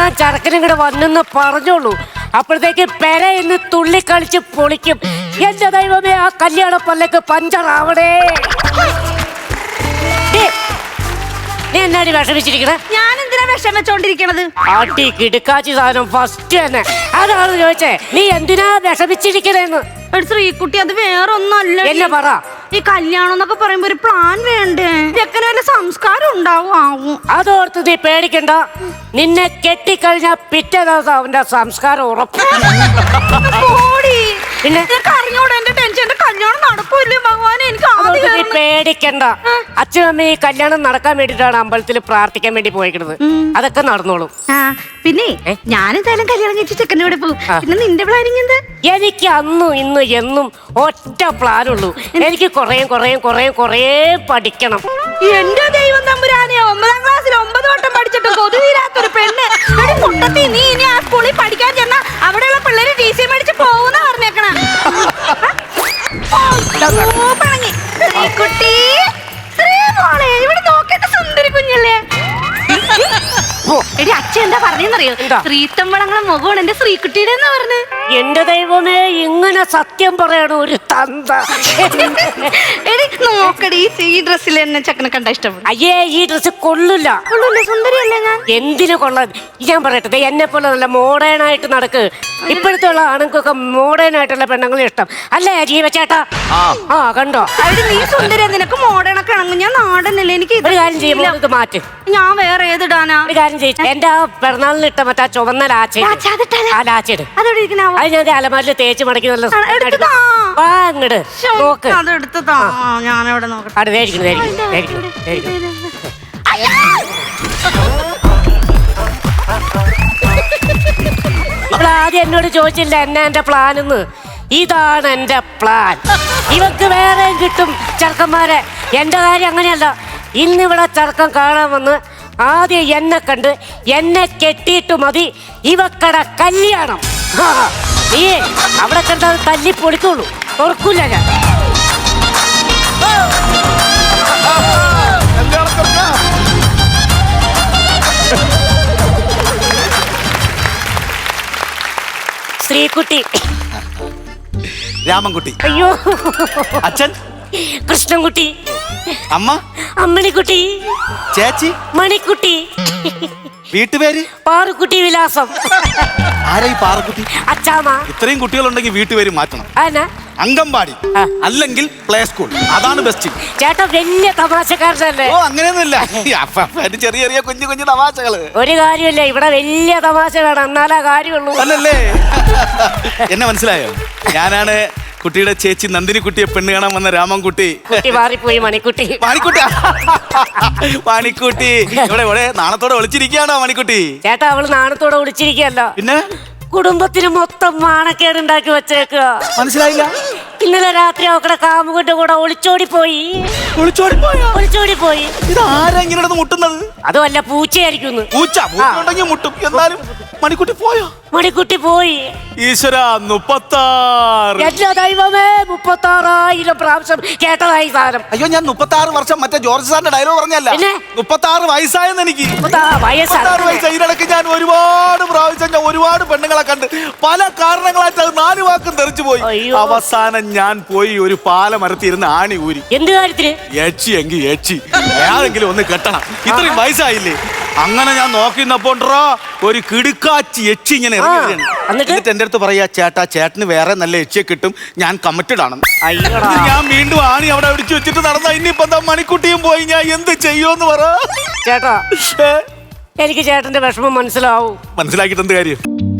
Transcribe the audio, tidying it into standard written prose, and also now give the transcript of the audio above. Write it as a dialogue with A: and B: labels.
A: ഞാൻ ചെറുക്കനും കൂടെ വന്നെന്ന് പറഞ്ഞോളൂ. അപ്പോഴത്തേക്ക് പെര ഇന്ന് തുള്ളിക്കളിച്ച് പൊളിക്കും. എന്റെ ദൈവമേ, ആ കല്യാണ പല്ലക്ക് പഞ്ചറാവണേ. നീ എന്നാടി വിഷമിച്ചിരിക്കണേ?
B: ഞാൻ എന്തിനാ വിഷം വെച്ചോണ്ടിരിക്കണത്?
A: ആട്ടി കിടുക്കാച്ചി സാധനം ഫസ്റ്റ് തന്നെ. അതാണ് ചോദിച്ചേ, നീ എന്തിനാ വിഷമിച്ചിരിക്കണേന്ന്.
B: ശ്രീകുട്ടി, അത് വേറൊന്നല്ല.
A: എന്നെ പറ.
B: ഈ കല്യാണം എന്നൊക്കെ പറയുമ്പോ ഒരു പ്ലാൻ വേണ്ടേ? ചെക്കന് വല്ല സംസ്കാരം ഉണ്ടാവും.
A: അതോർത്ത് നീ പേടിക്കണ്ട. നിന്നെ കെട്ടിക്കഴിഞ്ഞാ പിറ്റേ ദിവസം അവന്റെ സംസ്കാരം ഉറപ്പ്.
B: പിന്നെ അറിഞ്ഞോടെ എന്റെ ടെൻഷൻ. എന്റെ കല്യാണം നടക്കൂല്ലേ ഭഗവാനെ? എനിക്ക്
A: നീ പേടിക്കണ്ട. അച്ഛനമ്മ ഈ കല്യാണം നടക്കാൻ വേണ്ടിട്ടാണ് അമ്പലത്തിൽ പ്രാർത്ഥിക്കാൻ വേണ്ടി പോയിക്കുന്നത്. അതൊക്കെ നടന്നോളും.
B: പിന്നെ ഞാനെന്തായാലും കല്യാണം കഴിച്ച് ചെക്കൻ്റെ കൂടെ പോകും. പിന്നെ നിന്റെ പ്ലാനിങ് എന്താ?
A: എനിക്ക് അന്നും ഇന്നും എന്നും ഒറ്റ പ്ലാനുള്ളൂ. എനിക്ക് കുറേ പഠിക്കണം.
B: എന്റെ ദൈവം തമ്പുരാനെ, 9ാം ക്ലാസ്സിൽ 9 വട്ടം പഠിച്ചിട്ട് കൊതി തീരാത്തൊരു പെണ്ണ്. നീ ഇനി ആ സ്കൂളിൽ പഠിക്കാൻ ചെന്നാ അവിടെയുള്ള പിള്ളേര് TC മേടിച്ച് പോകുന്ന പറഞ്ഞേക്കണ. ഇവിടെ നോക്കേണ്ട സുന്ദരി കുഞ്ഞല്ലേ. എടി അച്ഛൻ എന്താ പറഞ്ഞറിയോ? ശ്രീത്തമ്പളങ്ങളെ മുഖമാണ് എന്റെ ശ്രീകുട്ടിയുടെ എന്ന് പറഞ്ഞു.
A: എന്റെ ദൈവമേ, ഇങ്ങനെ സത്യം പറയണ ഒരു തന്ത.
B: എടി നോക്കടി, ഈ ഡ്രസ്സിൽ എന്നെ ചക്കനെ കണ്ട ഇഷ്ടപ്പെടും.
A: അയ്യേ, ഈ ഡ്രസ് കൊള്ളില്ല.
B: സുന്ദരിയല്ലേ ഞാൻ?
A: എന്തിനു കൊള്ളാൻ? ഞാൻ പറയട്ടെ, എന്നെ പോലെ നല്ല മോഡേൺ ആയിട്ട് നടക്ക്. ഇപ്പോഴത്തെ ഉള്ള ആണുങ്ങൾക്കൊക്കെ മോഡേൺ ആയിട്ടുള്ള പെണ്ണുങ്ങളെ ഇഷ്ടം അല്ലേ ജീവച്ചേട്ടാ? കണ്ടോ?
B: നീ സുന്ദരിയാ, നിനക്ക് മോഡേൺ ഒക്കെ ആണെങ്കിൽ ഞാൻ നാടനല്ലേ. എനിക്ക്
A: ഒരു കാര്യം ചെയ്യുമ്പോൾ ഇത് മാറ്റ്.
B: ഞാൻ വേറെ ഏതിടാനാ?
A: ഒരു കാര്യം ചെയ്യും, എന്റെ ആ പിറന്നാളിന് ഇട്ട മറ്റേ ചുവന്ന ലാച്ചെട് അത് ഞാൻ അലമാരിൽ തേച്ച് മടക്കി നല്ല അങ്ങട് നോക്ക്.
B: ഞാനവിടെ നോക്കട്ടെ.
A: ഇപ്പോൾ ആദ്യം എന്നോട് ചോദിച്ചില്ല എന്നാ എന്റെ പ്ലാൻ എന്ന്. ഇതാണ് എന്റെ പ്ലാൻ. ഇവക്ക് വേറെ കിട്ടും ചെറുക്കന്മാരെ. എന്റെ കാര്യം അങ്ങനെയല്ല. ഇന്നിവിടെ ചെറുക്കം കാണാൻ വന്ന് ആദ്യം എന്നെ കണ്ട് എന്നെ കെട്ടിയിട്ട് മതി ഇവക്കട കല്യാണം. നീ അവിടെ കണ്ടത് തല്ലി പൊളിക്കുള്ളൂ, തുറക്കൂല ഞാൻ. ശ്രീകുട്ടി,
C: രാമൻകുട്ടി,
A: അയ്യോ
C: അച്ഛൻ
A: കൃഷ്ണൻകുട്ടി,
C: അമ്മ
A: അമ്മിണിക്കുട്ടി,
C: ചേച്ചി
A: മണിക്കുട്ടി,
C: വീട്ടുപേര്
A: പാറുക്കുട്ടി വിലാസം.
C: ആരാ ഈ പാറക്കുട്ടി?
A: അച്ചാമ്മ.
C: ഇത്രയും കുട്ടികളുണ്ടെങ്കിൽ വീട്ടുപേര് മാറ്റണം. അംഗൻവാടി അല്ലെങ്കിൽ പ്ലേ സ്കൂൾ, അതാണ് ബെസ്റ്റ്.
A: ചേട്ടാ വലിയ തമാശക്കാരനല്ലേ?
C: ഓ അങ്ങനെയൊന്നുമില്ല, ചെറിയ ചെറിയ കുഞ്ഞു കുഞ്ഞു തമാശകള്.
A: ഒരു കാര്യമില്ല, ഇവിടെ വലിയ തമാശ വേണം, എന്നാലേ കാര്യമുള്ളൂ. അല്ലല്ലേ?
C: എന്നെ മനസ്സിലായോ? ഞാനാണ് കുട്ടിയുടെ ചേച്ചി നന്ദിനി കുട്ടിയെ പെണ്ണ് കാണാൻ വന്ന രാമൻകുട്ടി.
A: മാറിപ്പോയി മണിക്കുട്ടി.
C: മണിക്കുട്ടി ഇവിടെ നാണത്തോടെ ഒളിച്ചിരിക്കുകയാണോ മണിക്കുട്ടി?
A: ചേട്ടാ, അവള് നാണത്തോടെ ഒളിച്ചിരിക്കുകയല്ല, പിന്നെ കുടുംബത്തിന് മൊത്തം മാണക്കേടുണ്ടാക്കി വെച്ചേക്കുക.
C: മനസ്സിലായില്ല?
A: ഇന്നലെ രാത്രി അവക്കടെ കാമുകന്റെ കൂടെ ഒളിച്ചോടി പോയി.
C: ഇത് ആരാ ഇങ്ങനെ മുട്ടുന്നത്?
A: അത് വല്ല പൂച്ചയായിരിക്കും.
C: പൂച്ച മുട്ടും. എന്നാലും മണിക്കുട്ടി പോയോ?
A: മണിക്കുട്ടി പോയി.
C: ഈശ്വര, 36.
A: എല്ലാ ദൈവമേ, 36,000 പ്രാവശ്യം കേട്ടതായി സാധനം.
C: അയ്യോ, ഞാൻ 36 വർഷം മറ്റേ ജോർജ് സാറിന്റെ ഡയലോഗ് പറഞ്ഞല്ല, 36 വയസ്സായെന്ന്. എനിക്ക് 36 വയസ്സ്. ഇതിനിടയ്ക്ക് ഞാൻ ഒരുപാട് പ്രാവശ്യം ഞാൻ ഒരുപാട് പെണ്ണുങ്ങളെ കണ്ട് പല കാരണങ്ങളായിട്ട് അത് 4 വാക്കും തെറിച്ചു പോയി. അവസാനം ഞാൻ പോയി ഒരു പാലമരത്തിരുന്ന് ആണി ഊരി.
A: എന്ത് കാര്യത്തിന്?
C: എങ്കിൽ ഏതെങ്കിലും ഒന്ന് കെട്ടണം, ഇത്രയും വയസ്സായില്ലേ. അങ്ങനെ ഞാൻ നോക്കിന്നപ്പോ ഒരു കിടുക്കാച്ചി യക്ഷി ഇങ്ങനെ ഇറങ്ങി. എന്നിട്ട് എന്റെ അടുത്ത് പറയാ, ചേട്ടന് വേറെ നല്ല യക്ഷിയെ കിട്ടും, ഞാൻ കമ്മിറ്റഡ് ആണ്. ഞാൻ വീണ്ടും ആണി അവിടെ അടിച്ചു വെച്ചിട്ട് നടന്ന. ഇനിയിപ്പോ എന്താ, മണിക്കുട്ടിയും പോയി, ഞാൻ എന്ത് ചെയ്യുമെന്ന് പറ.
A: ചേട്ടാ, എനിക്ക് ചേട്ടന്റെ വിഷമം മനസ്സിലാവും.
C: മനസ്സിലാക്കിയിട്ട് എന്ത് കാര്യം?